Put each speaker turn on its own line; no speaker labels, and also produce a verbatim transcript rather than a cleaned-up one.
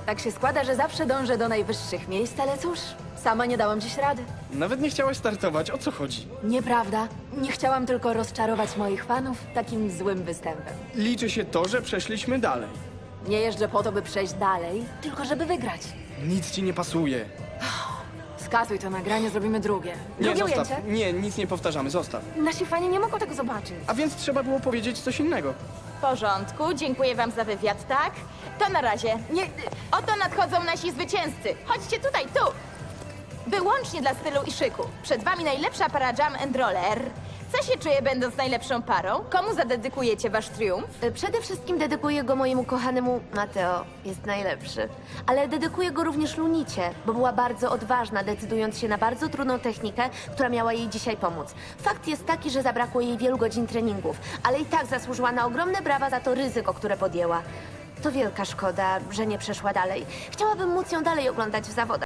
Tak się składa, że zawsze dążę do najwyższych miejsc, ale cóż, sama nie dałam dziś rady.
Nawet nie chciałaś startować, o co chodzi?
Nieprawda. Nie chciałam tylko rozczarować moich fanów takim złym występem.
Liczy się to, że przeszliśmy dalej.
Nie jeżdżę po to, by przejść dalej, tylko żeby wygrać.
Nic ci nie pasuje.
Skasuj to nagranie, zrobimy drugie.
Nie,
Drugie
zostaw.
ujęcie?
Nie, nic nie powtarzamy, zostaw.
Nasi fani nie mogą tego zobaczyć.
A więc trzeba było powiedzieć coś innego.
W porządku, dziękuję wam za wywiad, tak? To na razie.
Nie,
Oto nadchodzą nasi zwycięzcy. Chodźcie tutaj, tu! Wyłącznie dla stylu i szyku. Przed wami najlepsza para Jam and Roller. Co się czuje, będąc najlepszą parą? Komu zadedykujecie wasz triumf?
Y, Przede wszystkim dedykuję go mojemu kochanemu Mateo. Jest najlepszy. Ale dedykuję go również Lunicie, bo była bardzo odważna, decydując się na bardzo trudną technikę, która miała jej dzisiaj pomóc. Fakt jest taki, że zabrakło jej wielu godzin treningów, ale i tak zasłużyła na ogromne brawa za to ryzyko, które podjęła. To wielka szkoda, że nie przeszła dalej. Chciałabym móc ją dalej oglądać w zawodach.